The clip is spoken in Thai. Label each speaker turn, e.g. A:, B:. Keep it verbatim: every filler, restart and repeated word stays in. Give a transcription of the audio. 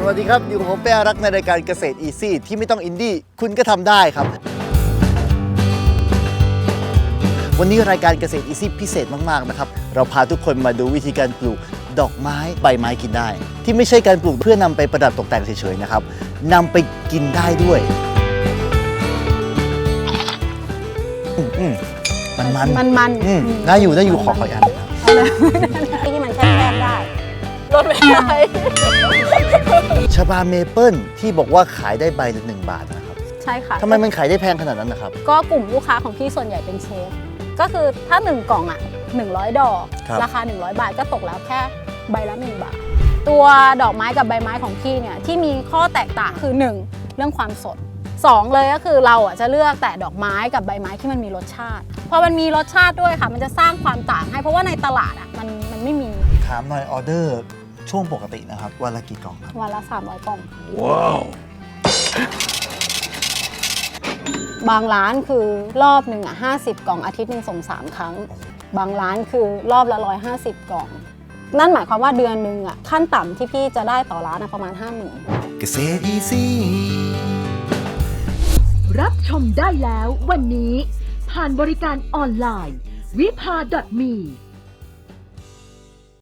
A: วัสดีครับอยู่กับผมเป้อารักษ์ในรายการเกษตรอีซี่ที่ไม่ต้องอินดี้คุณก็ทำได้ครับวันนี้รายการเกษตรอีซี่พิเศษมากๆนะครับเราพาทุกคนมาดูวิธีการปลูกดอกไม้ใบไม้กินได้ที่ไม่ใช่การปลูกเพื่อนำไปประดับตกแต่งเฉยๆนะครับนำไปกินได้ด้วยมันมัน
B: มันมัน
A: น่าอยู่น่าอยู่ขอขออัน
B: ที่มันแช่ๆได้ลดไม่ได้
A: ชบาเมเปิลที่บอกว่าขายได้ใบละหนึ่งบาทนะครับ
B: ใช่ค่ะ
A: ทำไมมันขายได้แพงขนาดนั้นนะครับ
B: ก็กลุ่มลูกค้าของพี่ส่วนใหญ่เป็นเชฟก็คือถ้าหนึ่งกล่องอ่ะหนึ่งร้อยดอกราคาหนึ่งร้อยบาทก็ตกแล้วแค่ใบละหนึ่งบาทตัวดอกไม้กับใบไม้ของพี่เนี่ยที่มีข้อแตกต่างคือหนึ่งเรื่องความสดสองเลยก็คือเราอ่ะจะเลือกแต่ดอกไม้กับใบไม้ที่มันมีรสชาติพอมันมีรสชาติด้วยค่ะมันจะสร้างความต่างให้เพราะว่าในตลาดอ่ะมันมันไม่มี
A: ถามหน่อยออเดอร์ช่วงปกตินะครับวันละกี่กล่องครับ
B: วันละสามร้อยกล่อง
A: ว้าว
B: บางร้านคือรอบหนึ่งอ่ะห้าสิบกล่องอาทิตย์หนึ่งส่งสามครั้งบางร้านคือรอบละร้อยห้าสิบกล่องนั่นหมายความว่าเดือนหนึ่งอ่ะขั้นต่ำที่พี่จะได้ต่อร้านประมาณห้าหมื่น
A: เกษตรอีซี่
C: รับชมได้แล้ววันนี้ผ่านบริการออนไลน์วิภา .me